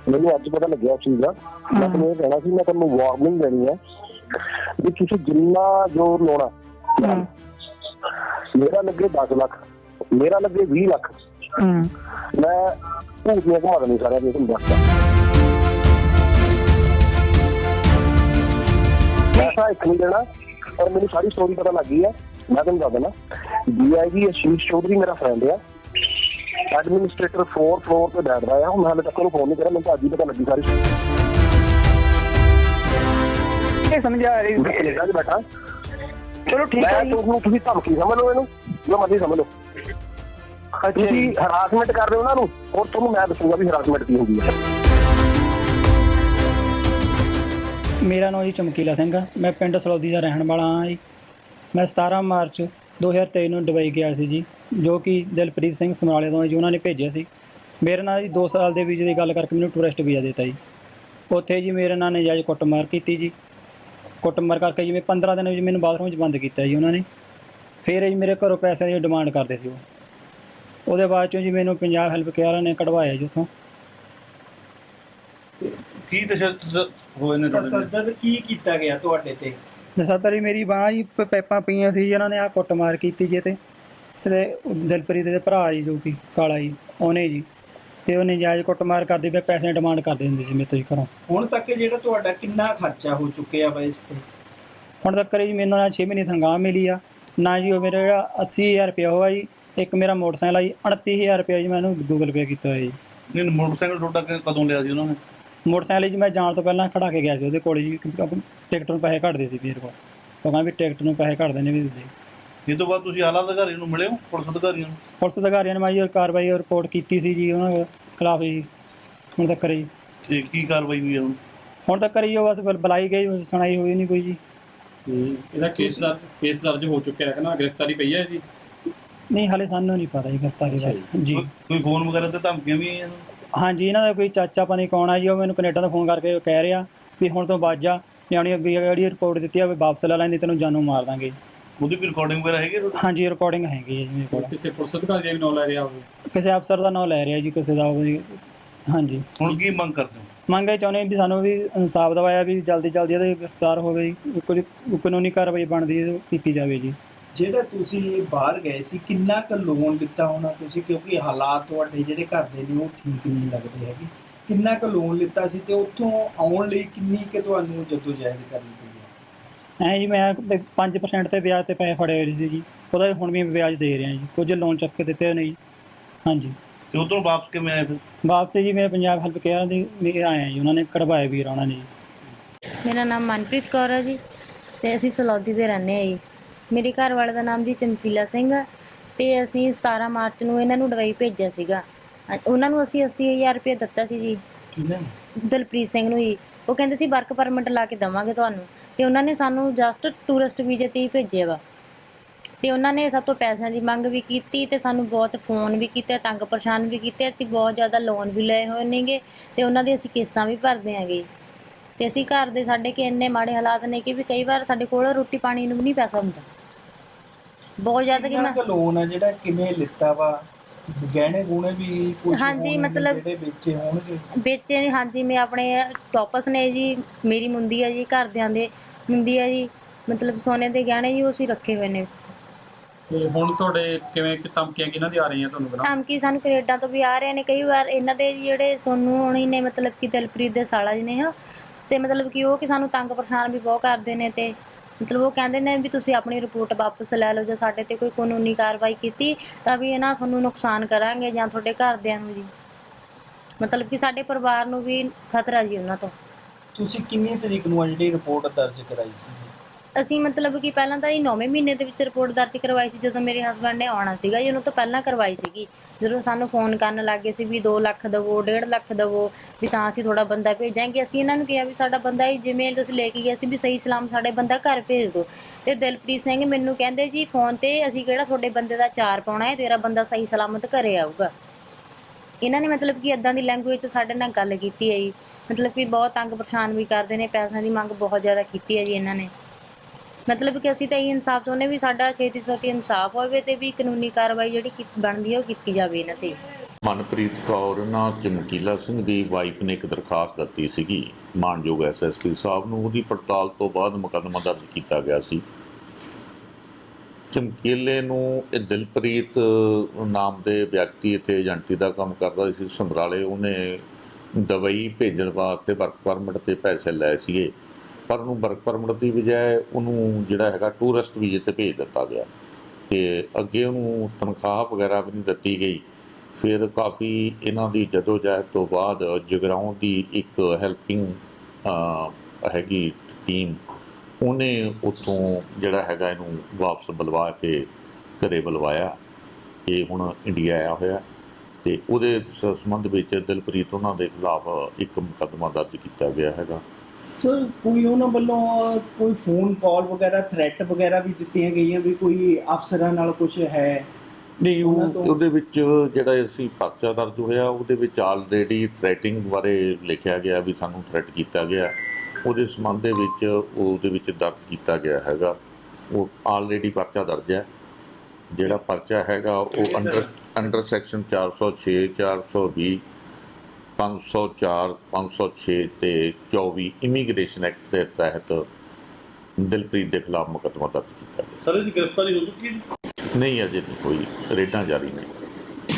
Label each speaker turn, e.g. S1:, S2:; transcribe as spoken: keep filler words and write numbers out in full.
S1: ਮੈਨੂੰ ਅੱਜ ਪਤਾ ਲੱਗਿਆ ਚੀਜ਼ ਦਾ। ਮੈਂ ਤੁਹਾਨੂੰ ਇਹ ਕਹਿਣਾ ਸੀ, ਮੈਂ ਤੁਹਾਨੂੰ ਵਾਰਨਿੰਗ ਦੇਣੀ ਹੈ ਵੀ ਤੁਸੀਂ ਜਿੰਨਾ ਜ਼ੋਰ ਲਾਉਣਾ, ਮੇਰਾ ਲੱਗੇ ਦਸ ਲੱਖ, ਮੇਰਾ ਲੱਗੇ ਵੀਹ ਲੱਖ, ਮੈਂ ਭੂਤੀਆਂ ਘੁਮਾ ਦੇਣੀ ਸਾਰਿਆਂ ਦੀ, ਤੁਹਾਨੂੰ ਦੱਸਦਾ। ਪੈਸਾ ਇੱਕ ਨਹੀਂ ਦੇਣਾ, ਪਰ ਮੈਨੂੰ ਸਾਰੀ ਸਟੋਰੀ ਪਤਾ ਲੱਗ ਗਈ ਹੈ। ਮੈਂ ਤੁਹਾਨੂੰ ਦੱਸ ਦੇਣਾ, ਡੀ ਆਈ ਜੀ ਅਸ਼ੀਸ਼ ਚੌਧਰੀ ਮੇਰਾ ਫਰੈਂਡ ਆ, ਐਡਮਿਨਿਸਟ੍ਰੇਟਰ ਫੋਰ ਫਲੋਰ ਤੇ ਬੈਠਦਾ ਆ। ਹੁਣ ਹਾਲੇ ਤੱਕ ਉਹਨੂੰ ਫੋਨ ਨਹੀਂ ਕਰਿਆ, ਮੈਨੂੰ ਅੱਜ ਹੀ ਪਤਾ ਲੱਗੀ ਸਾਰੀ।
S2: ਸਮਝਾ ਰਹੀ
S1: ਕੈਨੇਡਾ 'ਚ ਬੈਠਾ।
S2: ਚਲੋ ਠੀਕ ਹੈ,
S1: ਤੁਹਾਨੂੰ ਤੁਸੀਂ ਧਮਕੀ ਸਮਝ ਲਓ, ਇਹਨੂੰ ਜੋ ਮਰਜ਼ੀ ਸਮਝ ਲਓ। ਤੁਸੀਂ ਹਰਾਸਮੈਂਟ ਕਰ ਰਹੇ ਹੋ ਉਹਨਾਂ ਨੂੰ, ਔਰ ਤੁਹਾਨੂੰ ਮੈਂ ਦੱਸੂਗਾ ਵੀ ਹਰਾਸਮੈਂਟ ਕੀ ਹੁੰਦੀ ਹੈ।
S3: ਮੇਰਾ ਨਾਮ ਜੀ ਚਮਕੀਲਾ ਸਿੰਘ ਆ, ਮੈਂ ਪਿੰਡ ਸਲੌਦੀ ਦਾ ਰਹਿਣ ਵਾਲਾ ਹਾਂ ਜੀ। ਮੈਂ ਸਤਾਰਾਂ ਮਾਰਚ ਦੋ ਹਜ਼ਾਰ ਤੇਈ ਨੂੰ ਦੁਬਈ ਗਿਆ ਸੀ ਜੀ, ਜੋ ਕਿ ਦਿਲਪ੍ਰੀਤ ਸਿੰਘ ਸਮਰਾਲੇ ਤੋਂ ਜੀ ਉਹਨਾਂ ਨੇ ਭੇਜਿਆ ਸੀ। ਮੇਰੇ ਨਾਲ ਜੀ ਦੋ ਸਾਲ ਦੇ ਵੀਜ਼ੇ ਦੀ ਗੱਲ ਕਰਕੇ ਮੈਨੂੰ ਟੂਰਿਸਟ ਵੀਜ਼ਾ ਦਿੱਤਾ ਜੀ। ਉੱਥੇ ਜੀ ਮੇਰੇ ਨਾਲ ਨਜਾਇਜ਼ ਕੁੱਟਮਾਰ ਕੀਤੀ ਜੀ। ਕੁੱਟਮਾਰ ਕਰਕੇ ਜਿਵੇਂ ਪੰਦਰਾਂ ਦਿਨ ਜੀ ਮੈਨੂੰ ਬਾਥਰੂਮ 'ਚ ਬੰਦ ਕੀਤਾ ਜੀ ਉਹਨਾਂ ਨੇ। ਫਿਰ ਜੀ ਮੇਰੇ ਘਰੋਂ ਪੈਸਿਆਂ ਦੀ ਡਿਮਾਂਡ ਕਰਦੇ ਸੀ ਉਹ। ਉਹਦੇ ਬਾਅਦ 'ਚੋਂ ਜੀ ਮੈਨੂੰ ਪੰਜਾਬ ਹੈਲਪ ਕੇਅਰ ਨੇ ਕਢਵਾਇਆ ਜੀ ਉੱਥੋਂ।
S4: ਕੀ ਤਸ਼ੱਦਦ ਹੋਏ ਨੇ?
S5: ਤਸ਼ੱਦਦ ਕੀ ਕੀਤਾ ਗਿਆ ਤੁਹਾਡੇ ਤੇ?
S3: ਨਸਾਤਰ ਜੀ ਮੇਰੀ ਬਾਂਹ ਜੀ ਪ- ਪੈਪਾਂ ਪਈਆਂ ਸੀ ਜੀ, ਇਹਨਾਂ ਨੇ ਆਹ ਕੁੱਟਮਾਰ ਕੀਤੀ ਜੀ। ਅਤੇ ਇਹਦੇ ਦਿਲਪ੍ਰੀਤ ਦੇ ਭਰਾ ਜੀ ਜੋ ਕਿ ਕਾਲਾ ਜੀ, ਉਹਨੇ ਜੀ, ਅਤੇ ਉਹ ਨਜਾਇਜ਼ ਕੁੱਟਮਾਰ ਕਰਦੇ ਪਏ, ਪੈਸੇ ਦੀ ਡਿਮਾਂਡ ਕਰਦੇ ਹੁੰਦੇ ਸੀ ਮੇਰੇ ਤੋਂ ਜੀ ਘਰੋਂ।
S5: ਹੁਣ ਤੱਕ ਜਿਹੜਾ ਤੁਹਾਡਾ ਕਿੰਨਾ ਖਰਚਾ ਹੋ ਚੁੱਕਿਆ ਵਾ ਇਸ ਤੇ?
S3: ਹੁਣ ਤੱਕ ਜੀ ਮੈਨੂੰ ਨਾ ਛੇ ਮਹੀਨੇ ਤਨਖਾਹ ਮਿਲੀ ਆ ਨਾ ਜੀ। ਉਹ ਮੇਰਾ ਜਿਹੜਾ ਅੱਸੀ ਹਜ਼ਾਰ ਰੁਪਇਆ ਹੋਇਆ ਜੀ। ਇੱਕ ਮੇਰਾ ਮੋਟਰਸਾਈਕਲ ਆ ਜੀ, ਉਣੱਤੀ ਹਜ਼ਾਰ ਰੁਪਇਆ ਜੀ ਮੈਂ ਇਹਨੂੰ ਗੂਗਲ ਪੇ ਕੀਤਾ ਹੋਇਆ ਜੀ।
S4: ਨਹੀਂ, ਮੋਟਰਸਾਈਕਲ ਤੁਹਾਡਾ ਕ- ਕਦੋਂ ਲਿਆ ਸੀ ਉਹਨਾਂ ਨੇ?
S3: ਮੋਟਰਸਾਈਕਲ ਜੀ ਮੈਂ ਜਾਣ ਤੋਂ ਪਹਿਲਾਂ ਖੜਾ ਕੇ ਗਿਆ ਸੀ ਉਹਦੇ ਕੋਲ ਜੀ, ਕਿਉਂਕਿ ਟਿਕਟ ਨੂੰ ਪੈਸੇ ਘੱਟਦੇ ਸੀ ਮੇਰੇ ਕੋਲ। ਉਹ ਕਹਿੰਦਾ ਵੀ ਟਿਕਟ ਨੂੰ ਪੈਸੇ ਘੱਟਦੇ ਨੇ ਵੀ ਦਿੰਦੇ।
S4: ਇਹ ਤੋਂ ਬਾਅਦ ਤੁਸੀਂ ਆਲਾ ਅਧਿਕਾਰੀ ਨੂੰ ਮਿਲੇ ਹੋ, ਪੁਲਿਸ ਅਧਿਕਾਰੀਆਂ ਨੂੰ?
S3: ਪੁਲਿਸ ਅਧਿਕਾਰੀਆਂ ਨੇ ਮੈਂ ਜੀ ਕਾਰਵਾਈ ਰਿਪੋਰਟ ਕੀਤੀ ਸੀ ਜੀ ਉਹਨਾਂ ਖਿਲਾਫ ਜੀ। ਹੁਣ ਤੱਕ ਜੀ
S4: ਤੇ ਕੀ ਕਾਰਵਾਈ ਹੋਈ ਹੈ ਹੁਣ?
S3: ਹੁਣ ਤੱਕ ਜੀ ਉਹ ਬਸ ਬੁਲ- ਬੁਲਾਈ ਗਈ, ਸੁਣਾਈ ਹੋਈ ਨਹੀਂ ਕੋਈ ਜੀ।
S6: ਇਹਦਾ ਕੇਸ ਦਰਜ ਕੇਸ ਦਰਜ ਹੋ ਚੁੱਕਿਆ ਹੈ ਨਾ, ਗ੍ਰਿਫਤਾਰੀ ਪਈ ਹੈ ਜੀ?
S3: ਨਹੀਂ ਹਾਲੇ ਸਾਨੂੰ ਨਹੀਂ ਪਤਾ ਜੀ ਗ੍ਰਿਫਤਾਰੀ ਬਾਰੇ ਜੀ।
S4: ਕੋਈ- ਕੋਈ ਫੋਨ ਵਗੈਰਾ ਤੇ ਧਮਕੀਆਂ ਵੀ ਆਈਆਂ?
S3: ਹਾਂਜੀ, ਇਹਨਾਂ ਦਾ ਕੋਈ ਚਾਚਾ ਪਤਾ ਨਹੀਂ ਕੌਣ ਆ ਜੀ, ਉਹ ਮੈਨੂੰ ਕੈਨੇਡਾ ਤੋਂ ਫੋਨ ਕਰਕੇ ਕਹਿ ਰਿਹਾ ਵੀ ਹੁਣ ਤੋਂ ਬਾਅਦ ਜਾ ਨਿਆਣੀ ਵੀ ਜਿਹੜੀ ਰਿਪੋਰਟ ਦਿੱਤੀ ਆ ਵੀ ਵਾਪਸ ਲੈ ਲੈ, ਨਹੀਂ ਤੈਨੂੰ ਜਾਨੋਂ ਮਾਰ ਦਾਂਗੇ।
S4: ਉਹਦੀ ਵੀ ਰਿਕਾਰਡਿੰਗ ਵਗੈਰਾ ਹੈਗੀ ਤੁਹਾਡੀ?
S3: ਹਾਂਜੀ, ਰਿਕਾਰਡਿੰਗ ਹੈਗੀ ਹੈ ਜੀ ਮੇਰੇ ਕੋਲ।
S6: ਕਿਸੇ ਪੁਲਿਸ ਅਧਿਕਾਰੀ ਦਾ ਵੀ ਨਾਂ ਲੈ ਰਿਹਾ ਹੋਵੇ?
S3: ਕਿਸੇ ਅਫਸਰ ਦਾ ਨਾਂ ਲੈ ਰਿਹਾ ਜੀ, ਕਿਸੇ ਦਾ ਉਹ ਜੀ। ਹਾਂਜੀ,
S4: ਹੁਣ ਕੀ ਮੰਗ ਕਰਦੇ ਹੋ?
S3: ਮੰਗ ਇਹ ਚਾਹੁੰਦੇ ਵੀ ਸਾਨੂੰ ਵੀ ਇਨਸਾਫ ਦਿਵਾਇਆ ਵੀ ਜਲਦੀ ਜਲਦੀ ਇਹਦੇ ਗ੍ਰਿਫਤਾਰ ਹੋਵੇ ਜੀ। ਕੁਝ ਕਾਨੂੰਨੀ ਕਾਰਵਾਈ ਬਣਦੀ ਹੈ ਕੀਤੀ ਜਾਵੇ ਜੀ।
S5: ਜਿਹੜਾ ਤੁਸੀਂ ਬਾਹਰ ਗਏ ਸੀ, ਕਿੰਨਾ ਕੁ ਲੋਨ ਲਿੱਤਾ ਹੋਣਾ ਤੁਸੀਂ? ਕਿਉਂਕਿ ਹਾਲਾਤ ਤੁਹਾਡੇ ਜਿਹੜੇ ਘਰ ਦੇ ਨੇ ਉਹ ਠੀਕ ਨਹੀਂ ਲੱਗਦੇ ਹੈਗੇ। ਕਿੰਨਾ ਕੁ ਲੋਨ ਲਿੱਤਾ ਸੀ ਤੇ ਉੱਥੋਂ ਆਉਣ ਲਈ ਕਿੰਨੀ ਕੁ ਤੁਹਾਨੂੰ ਜਦੋਜਹਿਦ ਕਰਨੀ ਪਈ?
S3: ਐਂ ਜੀ ਮੈਂ ਪੰਜ ਪਰਸੈਂਟ 'ਤੇ ਵਿਆਜ 'ਤੇ ਪੈਸੇ ਫੜੇ ਹੋਏ ਸੀ ਜੀ, ਉਹਦਾ ਹੁਣ ਵੀ ਵਿਆਜ ਦੇ ਰਿਹਾ ਜੀ। ਕੁਝ ਲੋਨ ਚੱਕ ਕੇ ਦਿੱਤੇ ਨੇ ਜੀ। ਹਾਂਜੀ,
S4: ਤੇ ਉਧਰੋਂ ਵਾਪਸ ਕਿਵੇਂ ਆਏ ਫਿਰ?
S3: ਵਾਪਸ ਜੀ ਮੈਂ ਪੰਜਾਬ ਹੈਲਪ ਕੇਅਰ ਦੀ ਆਇਆ ਜੀ, ਉਹਨਾਂ ਨੇ ਕਢਵਾਏ ਵੀਰ ਉਹਨਾਂ ਨੇ ਜੀ।
S7: ਮੇਰਾ ਨਾਮ ਮਨਪ੍ਰੀਤ ਕੌਰ ਹੈ ਜੀ, ਅਤੇ ਅਸੀਂ ਸਲੌਦੀ ਦੇ ਰਹਿੰਦੇ ਹਾਂ ਜੀ। ਮੇਰੇ ਘਰ ਵਾਲੇ ਦਾ ਨਾਮ ਜੀ ਚਮਕੀਲਾ ਸਿੰਘ ਆ, ਅਤੇ ਅਸੀਂ ਸਤਾਰਾਂ ਮਾਰਚ ਨੂੰ ਇਹਨਾਂ ਨੂੰ ਦੁਬਈ ਭੇਜਿਆ ਸੀਗਾ। ਉਹਨਾਂ ਨੂੰ ਅਸੀਂ ਅੱਸੀ ਹਜ਼ਾਰ ਰੁਪਏ ਦਿੱਤਾ ਸੀ ਜੀ।
S5: ਕਿਹਨਾਂ?
S7: ਦਿਲਪ੍ਰੀਤ ਸਿੰਘ ਨੂੰ ਜੀ। ਉਹ ਕਹਿੰਦੇ ਸੀ ਵਰਕ ਪਰਮਿਟ ਲਾ ਕੇ ਦੇਵਾਂਗੇ ਤੁਹਾਨੂੰ, ਅਤੇ ਉਹਨਾਂ ਨੇ ਸਾਨੂੰ ਜਸਟ ਟੂਰਿਸਟ ਵੀਜ਼ੇ 'ਤੇ ਹੀ ਭੇਜਿਆ ਵਾ। ਅਤੇ ਉਹਨਾਂ ਨੇ ਸਭ ਤੋਂ ਪੈਸਿਆਂ ਦੀ ਮੰਗ ਵੀ ਕੀਤੀ ਅਤੇ ਸਾਨੂੰ ਬਹੁਤ ਫੋਨ ਵੀ ਕੀਤੇ, ਤੰਗ ਪਰੇਸ਼ਾਨ ਵੀ ਕੀਤੇ। ਅਸੀਂ ਬਹੁਤ ਜ਼ਿਆਦਾ ਲੋਨ ਵੀ ਲਏ ਹੋਏ ਨੇਗੇ, ਅਤੇ ਉਹਨਾਂ ਦੀ ਅਸੀਂ ਕਿਸ਼ਤਾਂ ਵੀ ਭਰਦੇ ਹੈਗੇ। ਅਤੇ ਅਸੀਂ ਘਰ ਦੇ ਸਾਡੇ ਕਿ ਇੰਨੇ ਮਾੜੇ ਹਾਲਾਤ ਨੇ ਕਿ ਵੀ ਕਈ ਵਾਰ ਸਾਡੇ ਕੋਲ ਰੋਟੀ ਪਾਣੀ ਨੂੰ ਵੀ ਨਹੀਂ ਪੈਸਾ ਹੁੰਦਾ, ਬਹੁਤ ਜ਼ਿਆਦਾ। ਕਿ
S5: ਕਿੰਨਾ
S7: ਮੈਂ
S5: ਕੁ ਲੋਨ ਹੈ ਜਿਹੜਾ ਕਿਵੇਂ ਲਿੱਤਾ ਵਾ? ਗਹਿਣੇ ਗੁਣੇ ਵੀ ਕੁਝ
S7: ਹਾਂਜੀ, ਮਤਲਬ
S5: ਜਿਹੜੇ ਵੇਚੇ ਹੋਣਗੇ?
S7: ਵੇਚੇ ਨੇ ਹਾਂਜੀ। ਮੈਂ ਆਪਣੇ ਟੋਪਸ ਨੇ ਜੀ, ਮੇਰੀ ਮੁੰਦੀ ਹੈ ਜੀ, ਘਰਦਿਆਂ ਦੇ ਮੁੰਦੀ ਹੈ ਜੀ, ਮਤਲਬ ਸੋਨੇ ਦੇ ਗਹਿਣੇ ਜੀ ਉਹ ਅਸੀਂ ਰੱਖੇ ਹੋਏ ਨੇ।
S6: ਤੇ ਹੁਣ ਤੁਹਾਡੇ ਕਿਵੇਂ ਕਿ ਧਮਕੀਆਂ ਕਿਹਨਾਂ ਦੀ ਆ ਰਹੀਆਂ ਤੁਹਾਨੂੰ? ਬਣਾ
S7: ਧਮਕੀ ਸਾਨੂੰ ਕੈਨੇਡਾ ਤੋਂ ਵੀ ਆ ਰਹੇ ਨੇ। ਕਈ ਵਾਰ ਇਹਨਾਂ ਦੇ ਜਿਹੜੇ ਸੋਨੂੰ ਹੋਣੀ ਨੇ, ਮਤਲਬ ਕਿ ਦਿਲਪ੍ਰੀਤ ਦੇ ਸਾਲਾ ਜੀ ਨੇ ਉਹ, ਅਤੇ ਮਤਲਬ ਕਿ ਉਹ ਕਿ ਸਾਨੂੰ ਤੰਗ ਪਰੇਸ਼ਾਨ ਵੀ ਬਹੁਤ ਕਰਦੇ ਨੇ। ਅਤੇ ਮਤਲਬ ਉਹ ਕਹਿੰਦੇ ਨੇ ਵੀ ਤੁਸੀਂ ਆਪਣੀ ਰਿਪੋਰਟ ਵਾਪਸ ਲੈ ਲਓ, ਜੇ ਸਾਡੇ 'ਤੇ ਕੋਈ ਕਾਨੂੰਨੀ ਕਾਰਵਾਈ ਕੀਤੀ ਤਾਂ ਵੀ ਇਹਨਾਂ ਤੁਹਾਨੂੰ ਨੁਕਸਾਨ ਕਰਾਂਗੇ ਜਾਂ ਤੁਹਾਡੇ ਘਰਦਿਆਂ ਨੂੰ ਜੀ। ਮਤਲਬ ਕਿ ਸਾਡੇ ਪਰਿਵਾਰ ਨੂੰ ਵੀ ਖਤਰਾ ਜੀ ਉਹਨਾਂ ਤੋਂ।
S5: ਤੁਸੀਂ ਕਿੰਨੀ ਤਰੀਕ ਨੂੰ ਆ ਜਿਹੜੀ ਰਿਪੋਰਟ ਦਰਜ ਕਰਾਈ ਸੀ?
S7: ਅਸੀਂ ਮਤਲਬ ਕਿ ਪਹਿਲਾਂ ਤਾਂ ਇਹ ਨੌਵੇਂ ਮਹੀਨੇ ਦੇ ਵਿੱਚ ਰਿਪੋਰਟ ਦਰਜ ਕਰਵਾਈ ਸੀ, ਜਦੋਂ ਮੇਰੇ ਹਸਬੈਂਡ ਨੇ ਆਉਣਾ ਸੀਗਾ ਜੀ। ਉਹਨੂੰ ਤੋਂ ਪਹਿਲਾਂ ਕਰਵਾਈ ਸੀਗੀ, ਜਦੋਂ ਸਾਨੂੰ ਫੋਨ ਕਰਨ ਲੱਗ ਗਏ ਸੀ ਵੀ ਦੋ ਲੱਖ ਦੇਵੋ, ਡੇਢ ਲੱਖ ਦੇਵੋ, ਵੀ ਤਾਂ ਅਸੀਂ ਥੋੜਾ ਬੰਦਾ ਭੇਜਾਂਗੇ। ਅਸੀਂ ਇਹਨਾਂ ਨੂੰ ਕਿਹਾ ਵੀ ਸਾਡਾ ਬੰਦਾ ਹੀ ਜਿਵੇਂ ਤੁਸੀਂ ਲੈ ਕੇ ਗਏ ਸੀ ਵੀ ਸਹੀ ਸਲਾਮ ਸਾਡੇ ਬੰਦਾ ਘਰ ਭੇਜ ਦਿਓ। ਅਤੇ ਦਿਲਪ੍ਰੀਤ ਸਿੰਘ ਮੈਨੂੰ ਕਹਿੰਦੇ ਜੀ ਫੋਨ 'ਤੇ ਅਸੀਂ ਕਿਹੜਾ ਤੁਹਾਡੇ ਬੰਦੇ ਦਾ ਚਾਰ ਪਾਉਣਾ ਹੈ, ਤੇਰਾ ਬੰਦਾ ਸਹੀ ਸਲਾਮਤ ਘਰੇ ਆਊਗਾ। ਇਹਨਾਂ ਨੇ ਮਤਲਬ ਕਿ ਇੱਦਾਂ ਦੀ ਲੈਂਗੁਏਜ 'ਚ ਸਾਡੇ ਨਾਲ ਗੱਲ ਕੀਤੀ ਹੈ ਜੀ। ਮਤਲਬ ਕਿ ਬਹੁਤ ਤੰਗ ਪਰੇਸ਼ਾਨ ਵੀ ਕਰਦੇ ਨੇ, ਪੈਸਿਆਂ ਦੀ ਮੰਗ ਬਹੁਤ ਜ਼ਿਆਦਾ ਕੀਤੀ ਹੈ ਜੀ ਇਹਨਾਂ ਨੇ। ਮਤਲਬ ਕਿ ਅਸੀਂ ਤਾਂ ਇਹੀ ਇਨਸਾਫ ਚਾਹੁੰਦੇ ਵੀ ਸਾਡਾ ਛੇਤੀ ਤੋਂ ਛੇਤੀ ਇਨਸਾਫ ਹੋਵੇ ਅਤੇ ਵੀ ਕਾਨੂੰਨੀ ਕਾਰਵਾਈ ਜਿਹੜੀ ਬਣਦੀ ਹੈ ਉਹ ਕੀਤੀ ਜਾਵੇ ਇਹਨਾਂ 'ਤੇ।
S8: ਮਨਪ੍ਰੀਤ ਕੌਰ ਨਾ ਚਮਕੀਲਾ ਸਿੰਘ ਦੀ ਵਾਈਫ ਨੇ ਇੱਕ ਦਰਖਾਸਤ ਦਿੱਤੀ ਸੀਗੀ ਮਾਨਯੋਗ ਐਸ ਐਸ ਪੀ ਸਾਹਿਬ ਨੂੰ। ਉਹਦੀ ਪੜਤਾਲ ਤੋਂ ਬਾਅਦ ਮੁਕੱਦਮਾ ਦਰਜ ਕੀਤਾ ਗਿਆ ਸੀ। ਚਮਕੀਲੇ ਨੂੰ ਇਹ ਦਿਲਪ੍ਰੀਤ ਨਾਮ ਦੇ ਵਿਅਕਤੀ ਇੱਥੇ ਏਜੰਟੀ ਦਾ ਕੰਮ ਕਰਦਾ ਸੀ ਸਮਰਾਲੇ। ਉਹਨੇ ਦੁਬਈ ਭੇਜਣ ਵਾਸਤੇ ਵਰਕ ਪਰਮਿਟ 'ਤੇ ਪੈਸੇ ਲਏ ਸੀਗੇ, ਪਰ ਉਹਨੂੰ ਵਰਕ ਪਰਮਿਟ ਦੀ ਬਜਾਏ ਉਹਨੂੰ ਜਿਹੜਾ ਹੈਗਾ ਟੂਰਿਸਟ ਵੀਜ਼ੇ 'ਤੇ ਭੇਜ ਦਿੱਤਾ ਗਿਆ ਅਤੇ ਅੱਗੇ ਉਹਨੂੰ ਤਨਖਾਹ ਵਗੈਰਾ ਵੀ ਨਹੀਂ ਦਿੱਤੀ ਗਈ। ਫਿਰ ਕਾਫੀ ਇਹਨਾਂ ਦੀ ਜਦੋਜਹਿਦ ਤੋਂ ਬਾਅਦ ਜਗਰਾਉਂ ਦੀ ਇੱਕ ਹੈਲਪਿੰਗ ਹੈਗੀ ਟੀਮ, ਉਹਨੇ ਉੱਥੋਂ ਜਿਹੜਾ ਹੈਗਾ ਇਹਨੂੰ ਵਾਪਸ ਬੁਲਵਾ ਕੇ ਘਰੇ ਬੁਲਵਾਇਆ। ਇਹ ਹੁਣ ਇੰਡੀਆ ਆਇਆ ਹੋਇਆ ਅਤੇ ਉਹਦੇ ਸ- ਸੰਬੰਧ ਵਿੱਚ ਦਿਲਪ੍ਰੀਤ ਉਹਨਾਂ ਦੇ ਖਿਲਾਫ ਇੱਕ ਮੁਕੱਦਮਾ ਦਰਜ ਕੀਤਾ ਗਿਆ ਹੈਗਾ।
S5: ਸਰ ਕੋਈ ਉਹਨਾਂ ਵੱਲੋਂ ਕੋਈ ਫੋਨ ਕਾਲ ਵਗੈਰਾ ਥ੍ਰੈਟ ਵਗੈਰਾ ਵੀ ਦਿੱਤੀਆਂ ਗਈਆਂ ਵੀ ਕੋਈ ਅਫਸਰਾਂ ਨਾਲ ਕੁਝ ਹੈ?
S8: ਨਹੀਂ,
S5: ਉਹਨਾਂ
S8: ਉਹ
S5: ਤੋਂ-
S8: ਉਹਦੇ ਵਿੱਚ ਜਿਹੜਾ ਅਸੀਂ ਪਰਚਾ ਦਰਜ ਹੋਇਆ ਉਹਦੇ ਵਿੱਚ ਆਲਰੇਡੀ ਥ੍ਰੈਟਿੰਗ ਬਾਰੇ ਲਿਖਿਆ ਗਿਆ ਵੀ ਸਾਨੂੰ ਥ੍ਰੈਟ ਕੀਤਾ ਗਿਆ। ਉਹਦੇ ਸੰਬੰਧ ਦੇ ਵਿੱਚ ਉਹਦੇ ਵਿੱਚ ਦਰਜ ਕੀਤਾ ਗਿਆ ਹੈਗਾ। ਉਹ ਆਲਰੇਡੀ ਪਰਚਾ ਦਰਜ ਹੈ। ਜਿਹੜਾ ਪਰਚਾ ਹੈਗਾ ਉਹ ਅੰਡਰ ਅੰਡਰ ਸੈਕਸ਼ਨ ਚਾਰ ਸੌ ਛੇ, ਚਾਰ ਸੌ ਵੀਹ, ਪੰਜ ਸੌ ਚਾਰ, ਪੰਜ ਸੌ ਛੇ ਅਤੇ ਚੌਵੀ ਇਮੀਗ੍ਰੇਸ਼ਨ ਐਕਟ ਦੇ ਤਹਿਤ ਦਿਲਪ੍ਰੀਤ ਦੇ ਖਿਲਾਫ ਮੁਕੱਦਮਾ ਦਰਜ ਕੀਤਾ ਗਿਆ।
S4: ਸਰ ਇਹਦੀ ਗ੍ਰਿਫਤਾਰੀ ਹੋ ਚੁੱਕੀ ਹੈ ਜੀ?
S8: ਨਹੀਂ, ਅਜੇ ਨਹੀਂ ਹੋਈ, ਰੇਡਾਂ ਜਾਰੀ ਨੇ।